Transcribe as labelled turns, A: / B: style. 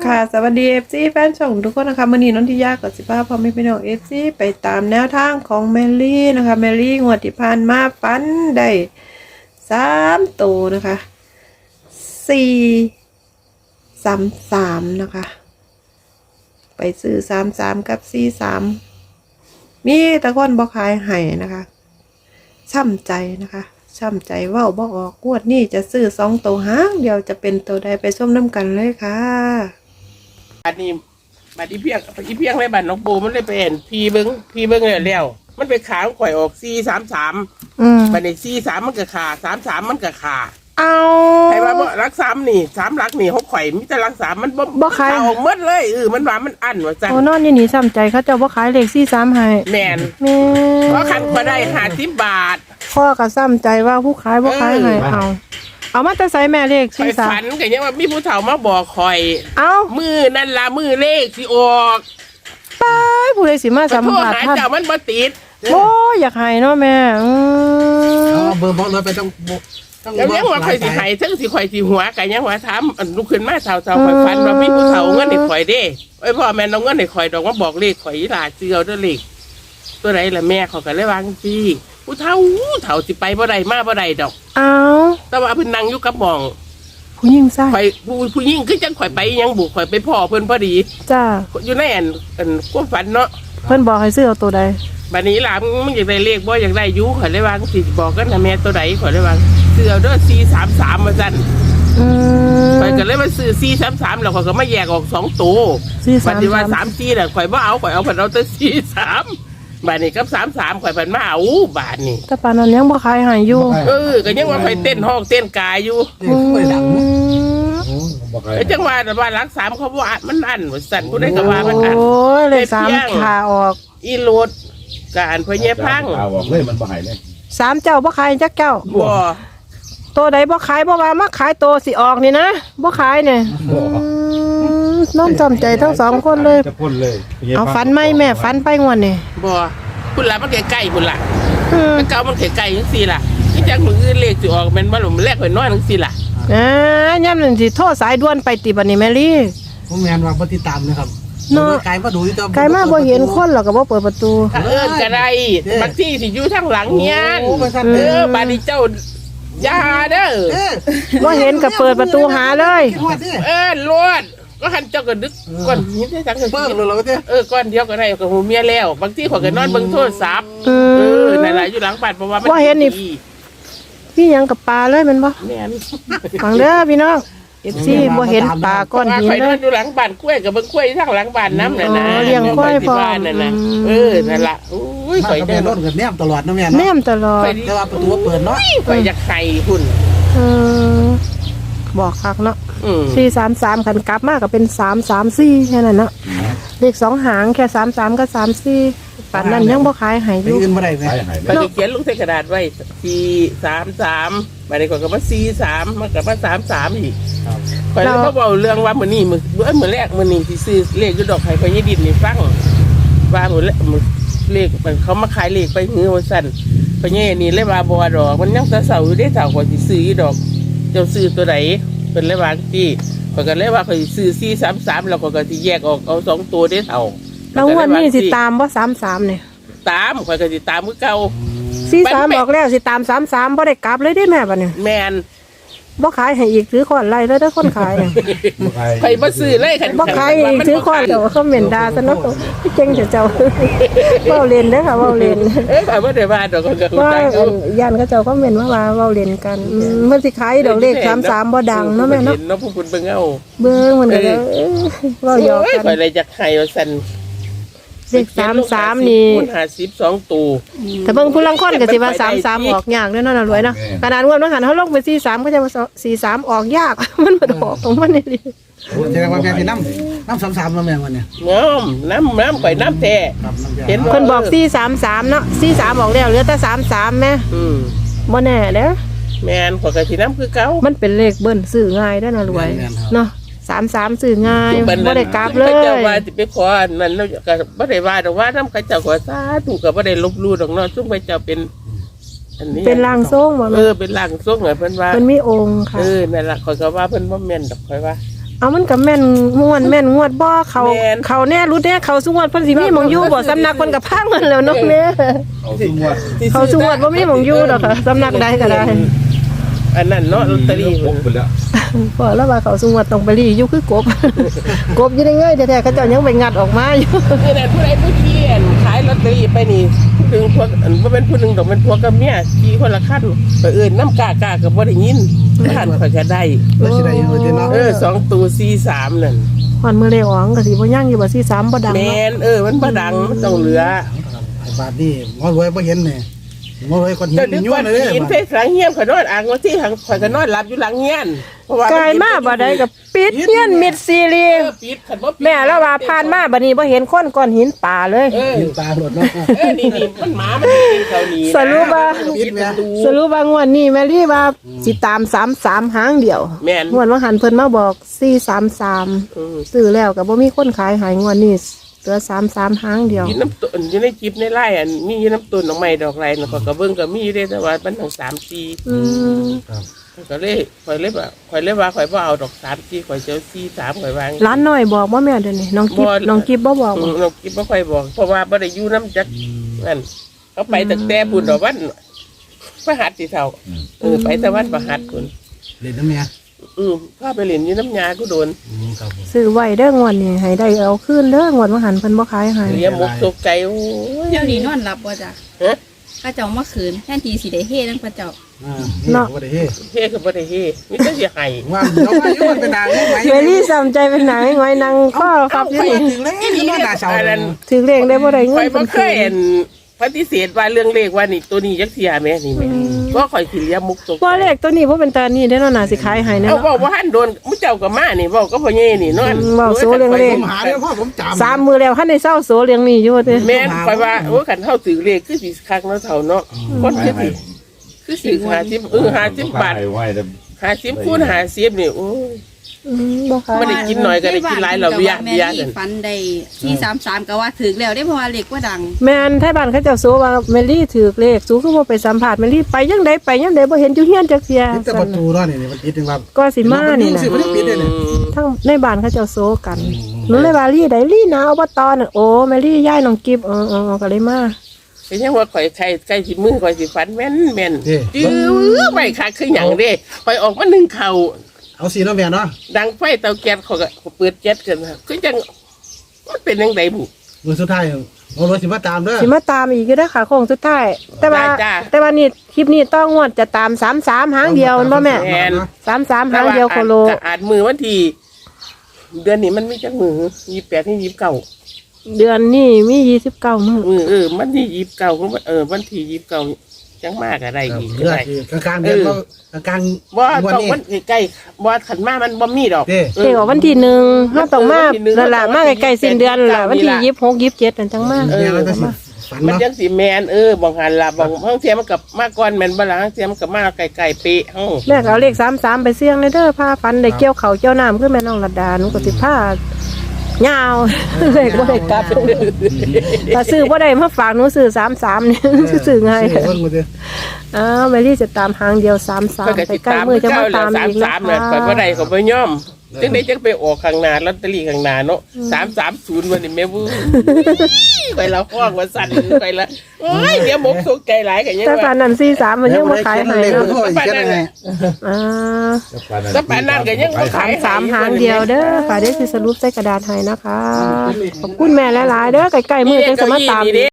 A: ค่ะสวัสดีFC แฟนช่องทุกคนนะคะมื่อนี้น้องที่ยากกับ15พ่อแม่พี่น้อง FC ไปตามแนวทางของแมรี่นะคะแมรี่งวดที่ผ่านมาฟันได้3ตัวนะคะ433นะคะไปซื้อ33กับ43มีตะคนบ่ขายให้นะคะช่ำใจนะคะช่ำใจเว้าบ่ออกงวดนี้จะซื้อ2ตัวหางเดียวจะเป็นตัวใดไปส้มน้ำกันเลยค่ะ
B: อันนี้บัดนี้เพียงเลยบัดน้องปูมันเลยเป็นพีเบิ้งเลยแล้วมันไปขาข่อยออก433บัดนี้43มันก็ขา33มันก็ขา
A: เอา
B: ใครว่าบ่รัก3นี่3รักนี่เขาข่อยมีแต่รัก3มัน
A: บ่ขาย
B: ออกหมดเลยมันว่ามันอั้นว่าซั่น
A: โอ้นอนอยู่นี่ซ้ำใจเขาเจ้าบ่ขายเลข43ให้
B: แม่นเพราะคันบ่ได้50 บาท
A: พ่อก็ซ้ำใจว่าผู้ขายบ่ขายให้เอามาแต่ใส่แม่เลข
B: ข่อยฝันก็ยังว่ามีผู้เฒ่ามาบอกข่อยมือนั่นล่ะมือเลขสิออก
A: ไปผู้ใดสิมาสัมภาษณ์
B: ท่านเจ้ามันบ่ติด
A: โอ้อยากให้เนาะแม่
C: เบอร์บอกเลยไปต้อง
B: แล้วยังว่าข่อยสิให้ทั้งสิข่อยสิหัวก็ยังว่าถามลุกขึ้นมาเฒ่าข่อยฝันว่ามีผู้เฒ่าเงินให้ข่อยเด้พ่อแม่น้องเงินให้ข่อยดอกว่าบอกเลขข่อยอีหลาเจือเด้อเลขตัวไหนล่ะแม่เขาก็เลยวางซี่ผู้เฒ่าสิไปบ่ได้มาบ่ได้ดอกแต่ว่าเพิ่นนั่งอยู่กับหม่อง
A: ผู้หญิงใช่
B: ข่อยผู้หญิงคือจังข่อยไปยังบุกข่อยไปพ่อเพิ่นพอดี
A: จ้า
B: อยู่ในความฝันเนาะ
A: เพิ่นบอกให้ซื้อเอาตัวใด
B: บัดนี้ล่ะมึงอยากได้เลขบ่อยากได้อยู่ข่อยเลยวางสิบอกกันนะแม่ตัวใดข่อยเลยวางซื้อเอาเด้อ433ว่าซั่นข่อยก็เลยมาซื้อ433แล้วข่อยก็มาแยกออก2ตัวบัดนี้ว่า34น่ะข่อยบ่เอาข่อยเอาเพิ่นเอาแต่43บาทนี่กับ33ข่อยเพิ่นมาเอาบาทนี่
A: แต่ปานนั้นยังบ่ขายให้อยู่
B: ก็ยังว่าข่อยเต้นห้องเต้นกายอยู่จังว่าแต่ว่ารัก3เขาว่ามันอั้นว่าซั่นผู้ใดก็ว่ามันอั้น
A: โอ้ยเลข3ขาออก
B: อีโลดการพ่อแย่พัง
C: ขาออกเลยมันบ่ให้เลย
A: 3เจ้าบ่ขายจักเจ้า
B: บ่
A: ตัวใดบ่ขายบ่ว่ามาขายตัวสิออกนี่นะบ่ขายเนี่ยน้อมจำใจทั้ง2คนเลยเอาฟันไหมแม่ฟันไปงวดนี่
B: บ่พุ่นละมันใกล้ๆพุ่นละมันเก่ามันใกล้ๆจังซี่ล่ะที่จังมื้ออื่นเลขสิออกแม่นบ่ล่ะมันแรกข่อยนอนจังซี่ล่ะ
A: ย่ำนั่นสิโทรสายด่วนไปติบัดนี้แมรี่
C: ผมแม่นว่าบ่ติดตามนะครับ
A: เนาะ
C: ไกลมาดูที่
A: ไกลมาบ่เห็นคนหรอกก็บ่เปิดประตู
B: ก็ได้บางที่สิอยู่ทางหลังเฮียนบาดนี้เจ้าอย่าเด้อ
A: บ่เห็นก็เปิดประตูหาเลย
B: รวดก็หันเจ้าก็ดึกก่อนนี้ได้จัง
C: เบิ่งแล้วก็
B: ก่อนเดียวก็ได้กับหูเมียแล้วบางทีข่อยก็นอนเบิ่งโทรศัพท์นั่นล่ะอยู่หลังบ้านเพราะว่ามัน
A: บ่เห็นนี่พี่ยังกับปลาเลยแม่นบ่
B: แม่น
A: ฟังเด้อพี่น้องFC บ่เห็นปลาก้อนหิน
B: เลยอยู่หลังบ้านกล้วยกับเบิ่งกล้วยทางหลังบ้านน้ำน่ะนะ
A: เลี้ยงกล้วยพอ
B: นั่นน่ะนั่นล่ะอุ้ยข่อย
C: ได้รถกับแนมตลอดนะแม่เนาะ
A: แนมตลอด
C: แต่ว่าประตูเปิดเนาะ
B: ข่อยอยากไข่หุ่น
A: บอกคักเนาะ433คันกลับมาก็เป็น334แค่นั้นเนาะเลข2หางแค่33กับ34ปานนั้นยังบ่ขายให้อยู่
C: อื่นบ่ได้แม่
B: ไปเขียนลงใส่กระดาษไว้433บัดนี้ข่อยก็มา43มันก็มา33อีกข่อยเลยบ่เว้าเรื่องว่ามื้อนี้มื้อแรกมื้อนี้สิซื้อเลขอยู่ดอกไห้ข่อยยายดินนี่ฟังว่ามื้อเลขมันเขามาขายเลขไปหือว่าซั่นข่อยยายนี่เลยว่าบ่ดอกมันยังเช้าอยู่เด้เฒ่าข่อยสิซื้ออยู่ดอกเจ้าซื้อตัวใดเพิ่นเลยว่าจี้ข่อยก็เลยว่าข่อยซื้อ433แล้วข่อยก็สิแยกออกเอา2ตัวเด้เฒ่า
A: แล้ววันนี้สิตามบ่33เนี่ย
B: ตามข่อยก็สิตามคือเก่า
A: 43บอกแล้วสิตาม33บ่ได้กลับเลยได้แม่บัดนี้
B: แม่น
A: บ่ขายให้อีกถือค้อนไล่เลยเด้อคนขาย
B: ไปบ่ซื้อเลยคัน
A: บ่ขายอีกถือค้อนเจ้าคอมเมนต์ด่าซะเนาะเก่งเจ้าเว้าเล่นเด้อค่ะเว้าเล่น
B: ข่อยบ่ได้ว่าดอกก็
A: ว่าย่านเขาเจ้าคอมเมนต์ว่าเว้าเล่นกันเพิ่นสิขายดอกเลข33บ่ดังเนาะแม่เนาะ
B: เนาะพวกคุณเบิ่งเอา
A: เบิ่งมันก็เว้าหยอกกัน
B: ข่อยเลยจักให้ว่าซั่น
A: เลข33นี่
B: 52ตัว
A: แต่เบิ่งผู้ลังคนก็สิว่า33ออกยากเด้อเนาะน่ะรวยเนาะขนาดงวดนั้นหันเฮาลงไป43ก็จะว่า43ออกยากมันบ่ออกของมันนี่
C: แสดงว่าแม่สิน้ำ33แล้วแม่วันนี้
B: น้ำข่อยน้ำแท้
A: เห็นเพิ่นบอก433เนาะ43ออกแล้วเหลือแต่33แม่บ่แน่เด้อ
B: แม่นข่อยก็สิน้ำคือเก่า
A: มันเป็นเลขเบิ้นซื้อง่ายได้น่ะรวยเนาะ33ซื้อง่ายบ่ได้กลับเลย
B: เจ้าว่าสิไปขอนั่นแล้วก็บ่ได้ว่าดอกว่านำเขาเจ้าขอสาธุก็บ่ได้ลบลู่ดอกเนาะซุมเขาเจ้าเป็นอันนี้
A: เป็นร่างทรงบ่
B: เป็นร่างทรงเพิ่นว่า
A: เพิ่นมีองค์ค่ะ
B: นั่นล่ะข่อยก็ว่าเพิ่นบ่แม่นดอกข่อยว่า
A: เอามันก็แม่นม่วนแม่นงวดบ่เขาแน่รู้แน่เขาสุงวดเพิ่นสิมีหม่องอยู่บ่สำนักเพิ่นก็พังมันแล้วเนาะแม่เขาสุงวดบ่มีหม่องอยู่ดอกค่ะสำนักใดก็ได้
B: อันนั้นเนาะลอตเตอรี่
D: พกไปแล้ว
A: พอแล้วว่าเขาสุงวดต้องไปรีอยู่คือกบ กบอยู่ได้เงยแท้ๆเขาเจ้ายังไปงัดออกมาอยู่
B: นี่แหละผู้ใดผู้เที่ยนขายลอตเตอรี่ไปนี่ผู้หนึงพวกอันบ่เป็นผู้หนึงดอกเป็นพวกกับเมียขี่คนละคันไปเอิ้นน้ำกากาก็บ่ได้ยินท่านข่อยก็ได้
C: แล้วสิได้อยู่เด้เนาะ
B: 2ตัว43นั่น
A: วันมื้อเลขออกก็สิบ่ยังอยู่บ่43บ่ดัง
B: แม่
A: เนาะ
B: นมันบ่ดังมันต้องเหลือ
C: ไอ้บาทนี่หมอรวยบ่เห็นนี่หมอรวยคนเห็
B: เจ้าน ดึก
C: ยั่ว
B: วัน
C: เลย
B: กินเพชรหลังเฮียนข่อยนอนอ่างว่าที่ข่อยก็นอนหลับอยู่หลังเฮียนเพราะว่าก
A: ายมาบ่ได้ก็ปิดเฮียนมิดซีรีส์
B: ปิดคันบ่ปิด
A: แม่แล้วว่าผ่านมาบัดนี้บ่เห็นคนก้อนหินป่าเลย
C: กินตาหลดเนาะ
B: นี่มันหมามันกินเขานี่
A: สรุปว่า
B: ปิดประตู
A: สรุปว่างวดนี้แม่ลี่ว่าสิตาม33หางเดียว
B: แม่น
A: งวดว่าหันเพิ่นมาบอก433ซื้อแล้วก็บ่มีคนขายหายงวดนี้เหลือ33หางเดียว
B: กินน้ำตุนอยู่ในจิบในไร่อันมีน้ำตุนดอกไม้ดอกไรน่ะก็เบิ่งก็มีอยู่เด้แต่ว่ามันทั้ง3-4
A: อืม
B: ก็เลยข่อยเลยว่าข่อยบ่เอาดอก3-4ข่อยเจ้า4-3ข่อยวาง
A: ร้านน้อยบอกว่าแม่เดี๋ยวนี้น้องกิ๊บ
B: บ่
A: น้องกิ๊บบ่บอก
B: เราคิดบ่ค่อยบอกเพราะว่าบ่ได้อยู่น้ำจักนั่นเขาไปตั้งแต่บุญดอกวันพระหัตถ์สิเท่าไปแต่วันพระหัตถ์พุ่น
C: เล่นน้ำเนี่ย
B: พาไปเล่นอยู่น้ำยากูโดน
C: ครับผม
A: ซื้อไว้เด้องวดนี้ให้ได้เอาคืนเด้องวดว่าหันเพิ่นบ่ขายให้
B: เลี้ยงมุกตกใจโอ้ย
E: เดี๋ยวนี้นอนหลับบ่จ้ะ
B: ฮะ
E: ข้าเจ้ามาขืนแทนทีสิได้เฮ็ดนั่นพระเจ้า
C: เนาะบ่ได้เฮ้
B: เฮ้ก็บ่ได้เฮ้มีแต่สิให้
C: ว่าเราว่าอยู่มันเป็นนางไหม
A: เวลี่สำใจเป็นหนังง้อยนางก็ครับอยู่นี่
C: ถึงแล้วอยู่นอนหน้าเสา
B: อันนั้น
A: ถือเลขได้บ่ได้เงิ
B: ข่อน ยบ่
A: เพิ่น
B: เคยเห็นปฏิเสธว่าเรื่องเลขว่านี่ตัวนี้จักเสียแม่นี่แม่ก็ข่อยสิเลี้ยงมุกตก
A: บ่เลขตัวนี้บ่เป็นตานี่เด้อเนาะน่าสิขายให้แน่
B: เอา
A: เนาะ
B: บอกว่าหันโดนมุเจ้าก็มานี่บอกก็พ่อเย่นี่เนาะ
A: เว้าโซเรื่องเลข
C: ผมหาแล้วพ่อผมจำ
A: สามมือแล้วคันได้เศร้าโสเลี้ยงนี่อยู่เด้
B: แม่นข่อยว่าโอ้คันเฮาถือเลขคือสิคักเนาะเท่าเนาะคนคือสิ50บาท
D: ไหว้แต่
B: 50คูณ50นี่โอ้ย
A: บ่ขาย
B: ไม่ได้กินหน่อยก็ได้กินหลายเราเบียร์
E: แม่นี่ฟันได้433ก็ว่าถึกแล้วได้เพราะว่าเล็กว่าดัง
A: แม่นไทบ้านเขาเจ้าโสว่าแมรี่ถือเลขสูคือบ่ไปสัมภาษณ์แมรี่ไปยังใดไปยังใดบ่เห็นอยู่เฮียนจักเที่ย
C: แต่ประตูเนาะนี่มันปิดถึงว่า
A: ก็สิมานี่
C: สิ
A: นะ
C: มันปิดเลยเนี่ย
A: ทั้งในบ้านเขาเจ้าโซกันหนูเลยว่าลี่ใดลี่นาอบตน่ะโอ้แมรี่ย้ายน้องกิฟก็เลยมา
B: เป็นยังว่าข่อยใครสิมือข่อยสิฟันแม่นจื้อไม่คักคือหยังเด้ข่อยออกมานึ่งข้าว
C: เอาสีน้ำแม่เนาะ
B: ดังไฟเตาแก๊สเขาก็เปิดแก๊สกันคือจังมันเป็นยังไงบุ
C: มือสุดท้ายเอารถสิมาตามเด้อ
A: สิมาตามอีกอยู่เด้อค่ะโค้งสุดท้ายแต่ว่านี่คลิปนี้ต้องงวดจะตาม33หางเดียวบ่แม่33หางเดียวโคโล
B: อาจมือวันที่เดือนนี้มันมีจักมือ28ที่29
A: เดือนนี้มี29มื้อ
B: มันที่29วันที่29จังมากอะไรอีก
C: เลือดกลางเดือนก็กลาง
B: ว่า
C: วัน
B: ต้อง
C: นี้
B: มันใกล้ๆว่าขันมามันบ่มีดอก
C: เด้
A: เอกวันที่1เฮาต้องมานั่นล่ะมาใกล้ๆสิ้นเดือนล่ะวันที่26 27นั่นจังมา
C: เนี่ยมันก็สิฝัน
B: มัน
C: เนาะ
B: จังสิแมนบางหันล่ะบางห้องเทียมมันกับมาก่อนแมนบ่ล่ะห้องเทียมมันกับมาไกลๆเป๊ะเฮา
A: แม่ก็เอาเลข33ไปเสี่ยงเด้อพาฟันได้เกี่ยวเขาเกี่ยวน้ำคือแม่น้องระดาหนูก็สิพายาว เลขบ่ได้กลับถ้าซื้อบ่ได้มาฝากหนูซื้อ33นี่ซื้อง่าย
C: เบิ่งมาเด้อ
A: แมรี่จะตามหางเดียว
B: เพิ่น
A: 33
B: ก็
A: ไป
B: สิ
A: ใกล้
B: ตาม
A: มือจะ
B: เจ้า
A: มา
B: แล้
A: ตาว มอีกนะ
B: 33เนี่ยข่อยบ่ได้ก็บ่ยอมจังได๋จังไปออกข้างหน้าลอตเตอรี่ข้างหน้าเนาะ330วันนี้แม่วู้ไปละห้องว่าสั่นไปละโอ้ยเดี๋ยวหมกสุกใจหลายก็ยัง
A: แต่ปา
B: ว่า
A: นนั้น43มันยังบ่ขายให้
C: เลข
A: เนาะ
C: โทษอีกแค่ไหน
B: ถ้าปานนั้นก็ยังบ่ขาย
A: 3หางเดียวเด้อค่ะเดี๋ยวสิสรุปใส่กระดาษให้นะคะขอบคุณแม่หลายๆเด้อใกล้ๆมือจังจะมาตามอีก